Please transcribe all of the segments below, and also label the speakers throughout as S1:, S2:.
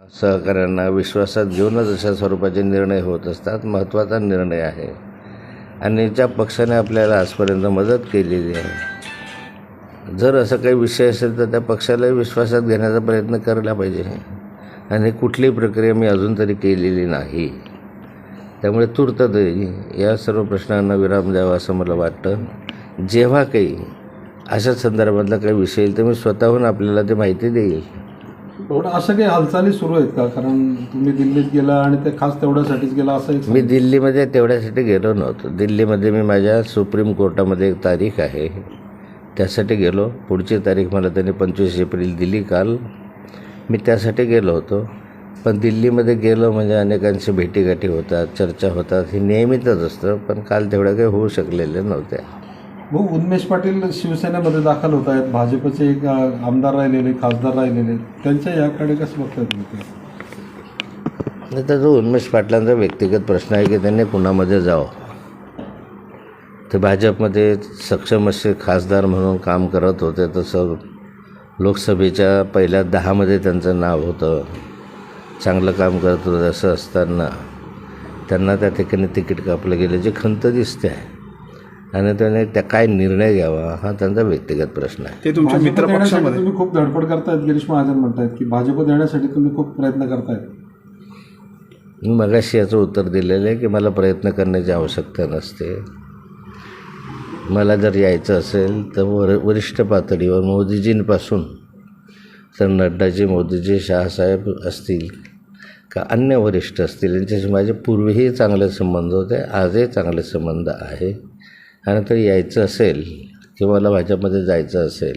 S1: सहकाऱ्यांना विश्वासात घेऊनच अशा स्वरूपाचे निर्णय होत असतात. महत्त्वाचा निर्णय आहे आणि ज्या पक्षाने आपल्याला आजपर्यंत मदत केलेली आहे, जर असं काही विषय असेल तर त्या पक्षालाही विश्वासात घेण्याचा प्रयत्न करायला पाहिजे. आणि कुठलीही प्रक्रिया मी अजून तरी केलेली नाही. त्यामुळे तूर्त या सर्व प्रश्नांना विराम द्यावा असं मला वाटतं. जेव्हा काही अशा संदर्भातला काही विषय येईल तर मी स्वतःहून आपल्याला ते माहिती देईल.
S2: थोडं असं काही हालचाली सुरू आहेत का? कारण तुम्ही दिल्लीत गेला आणि ते खास तेवढ्यासाठीच गेला असं
S1: मी दिल्लीमध्ये तेवढ्यासाठी गेलो नव्हतो. दिल्लीमध्ये मी माझ्या सुप्रीम कोर्टामध्ये एक तारीख आहे त्यासाठी गेलो. पुढची तारीख मला त्यांनी 25 एप्रिल दिली काल. मी त्यासाठी गेलो होतो. पण दिल्लीमध्ये गेलो म्हणजे अनेकांशी भेटीगाठी होतात, चर्चा होतात, हे नेहमीच असतं. पण काल तेवढ्या काही होऊ शकलेल्या नव्हत्या.
S2: भाऊ, उन्मेष पाटील शिवसेनेमध्ये दाखल होत आहेत. भाजपचे एक आमदार राहिलेले, खासदार राहिलेले, त्यांच्या याकडे कसं बघताय तुम्ही?
S1: आता जो उन्मेष पाटलांचा व्यक्तिगत प्रश्न आहे की त्यांनी कुणामध्ये जावं. ते भाजपमध्ये सक्षम असे खासदार म्हणून काम करत होते. तसं लोकसभेच्या पहिल्या 10मध्ये त्यांचं नाव होतं. चांगलं काम करत होतं. असं असताना त्यांना त्या ठिकाणी तिकीट कापलं गेलं, जे खंत दिसते आहे. आणि त्याने त्या काय निर्णय घ्यावा हा त्यांचा व्यक्तिगत प्रश्न आहे.
S2: ते तुमच्या मित्रपक्षामध्ये तुम्ही खूप धडपड करतायत. गिरीश महाजन म्हणतायत की भाजप देण्यासाठी तुम्ही खूप प्रयत्न करतायत.
S1: मी मगाशी याचं उत्तर दिलेलं आहे की मला प्रयत्न करण्याची आवश्यकता नसते. मला जर यायचं असेल तर वरिष्ठ पातळीवर मोदीजींपासून तर नड्डाजी, मोदीजी, शहासाहेब असतील का अन्य वरिष्ठ असतील, यांच्याशी माझे पूर्वीही चांगले संबंध होते, आजही चांगले संबंध आहे. आणि तर यायचं असेल किंवा मला भाजपमध्ये जायचं असेल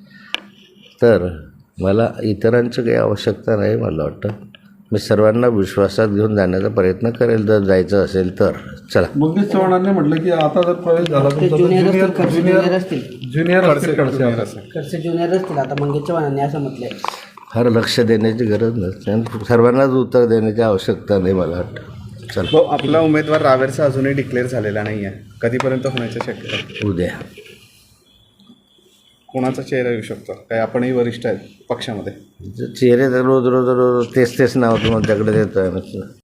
S1: तर मला इतरांची काही आवश्यकता नाही. मला वाटतं मी सर्वांना विश्वासात घेऊन जाण्याचा प्रयत्न करेल जर जायचं असेल तर. चला.
S2: मंगेश चव्हाणांनी म्हटलं की आता जर प्रवेश झाला
S3: ज्युनियर असतील आता मंगेश चव्हाणांनी असं म्हटलंय.
S1: फार लक्ष देण्याची गरज नसते आणि सर्वांनाच उत्तर देण्याची आवश्यकता नाही मला वाटतं. चला.
S4: आपला उमेदवार रावेरचा अजूनही डिक्लेअर झालेला नाही आहे. कधीपर्यंत होण्याची शक्यता?
S1: उद्या.
S4: कोणाचा चेहरा येऊ शकतो? काय आपणही वरिष्ठ आहेत पक्षामध्ये?
S1: चेहरे तर रोज तेच नाव तुमच्याकडे देतो आहे.